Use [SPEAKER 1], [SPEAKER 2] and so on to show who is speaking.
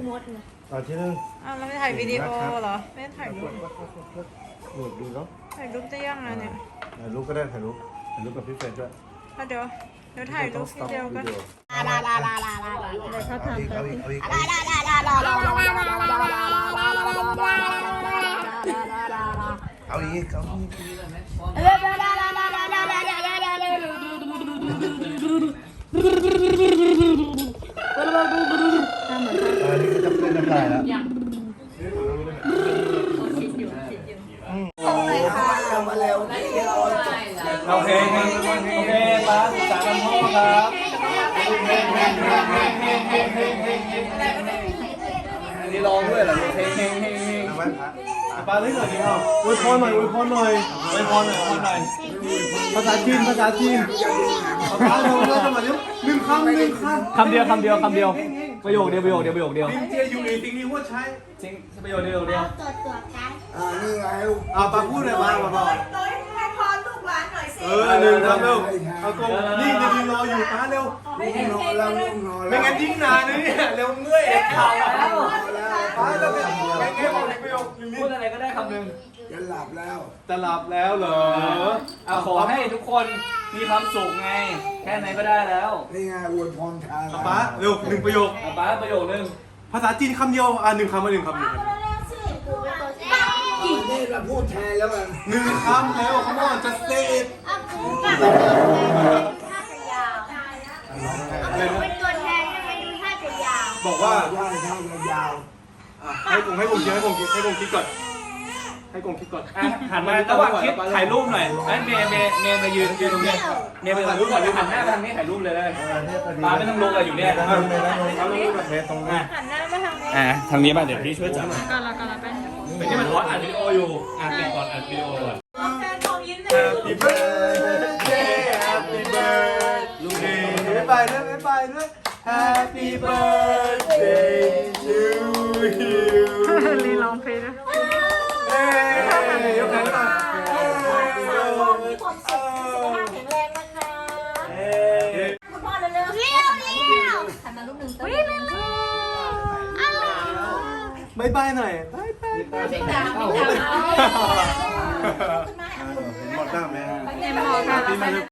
[SPEAKER 1] มดนะ
[SPEAKER 2] ตอนที่หนึ่ง
[SPEAKER 3] อ้าวเราไม่ถ่ายวิดีโอเหรอไม่ถ่ายรูป
[SPEAKER 2] โหลดดูเนาะ
[SPEAKER 3] ถ่ายรูปจะยังไงเนี่ย
[SPEAKER 2] ถ่ายรูปก็ได้ถ่ายรูปกับพี่เฟรนด้วย
[SPEAKER 3] เดี๋ยวถ่ายรูปวิดีโอกัน
[SPEAKER 1] เดี๋ยวเขาทำไป
[SPEAKER 2] เอาอีก อันนี้ก็จะเป็นน้ำลายแล้วโอเคป้าสามพ่อครับอันนี้ร้องด้วยเหรอเฮงป้าเล่นหน่อยดิครับอวยพรหน่อยภาษาจีนป้าเร็วๆมาเร็วหนึ่งคำ
[SPEAKER 4] คำเดียวประโยคเดียว
[SPEAKER 2] ลิงเจียอยู่ในทิ้งนี้ว่าใช้
[SPEAKER 4] จริงประโยคเดียว
[SPEAKER 1] ตัวกัน
[SPEAKER 2] นี่ไงป้าพูดเลยป้า
[SPEAKER 3] ให้พรลูกหลานหน่อยสิ
[SPEAKER 2] หนึ่งคำเร็วเอาตรงนี่จะยืนรออยู่ป้าเร็วไม่งั้นยิ่งนานนะเนี่ยเร็วเมื่อยข่าวแล้วป้าแล้วแง่บอกในประโยค
[SPEAKER 4] พูดอะไรก็ได้คำหนึ่ง
[SPEAKER 2] จะหลับแล้วเหรอ
[SPEAKER 4] ขอให้ทุกคนมีความสุขไงแค่ไหนก็ได้แล้ว
[SPEAKER 5] นี่ไงอวยพรทาง
[SPEAKER 2] ป้าเร็วหนึ่งประโยค
[SPEAKER 4] ป้าประโยคนึง
[SPEAKER 2] ภาษาจีนคำเดียวหนึ่งคำมาหนึ่งคำ
[SPEAKER 5] นี่เราพูดแทนแล้วกัน
[SPEAKER 2] หนึ่งคำแล้วเขาบอกจะเซต
[SPEAKER 1] เป็นตัวแทนยังไงดูท่าจะยาว
[SPEAKER 2] บอกว่า
[SPEAKER 5] ว่าเท่ายาว
[SPEAKER 2] ให้กงคิดก่อน
[SPEAKER 4] หันมาระหว่างคิดถ่ายรูปหน่อยเมย์มายืนตรงนี้เมย์ไปถ่ายรูปก่อนหันหน้าไปทางนี้ถ่ายรูปเลยป้าไม่ต้องลุกเลยอยู่เนี่ย
[SPEAKER 2] เอาลูกแบบตรงนี้
[SPEAKER 3] หันหน้ามาทางนี้
[SPEAKER 4] ทางนี้มาเดี๋ยวพี่ช่วยจับ
[SPEAKER 3] ก่อนละเป็น
[SPEAKER 4] เป็นที่มันอัดวิดีโออยู่ปิดก่อนอัดวิดีโอก่อน
[SPEAKER 3] แฟนของยิ้มเลย
[SPEAKER 2] Happy birthday Happy birthday ไม่ไปด้วย Happy birthday to you
[SPEAKER 3] ลีลองเพลง
[SPEAKER 2] เฮ้ยยกแขนหน่อย
[SPEAKER 1] มีความสุขสุขภาพแข็งแรงนะคะ
[SPEAKER 2] เฮ้ย
[SPEAKER 1] คุณพ่อเร็วๆเร็วหันมาลูกหนึ่งตัวหนึ่ง
[SPEAKER 2] บายบายหน่อยบายบาย
[SPEAKER 1] ไม่ตาม
[SPEAKER 2] หมดหน้าไหม
[SPEAKER 3] เอ็มหมอค่ะ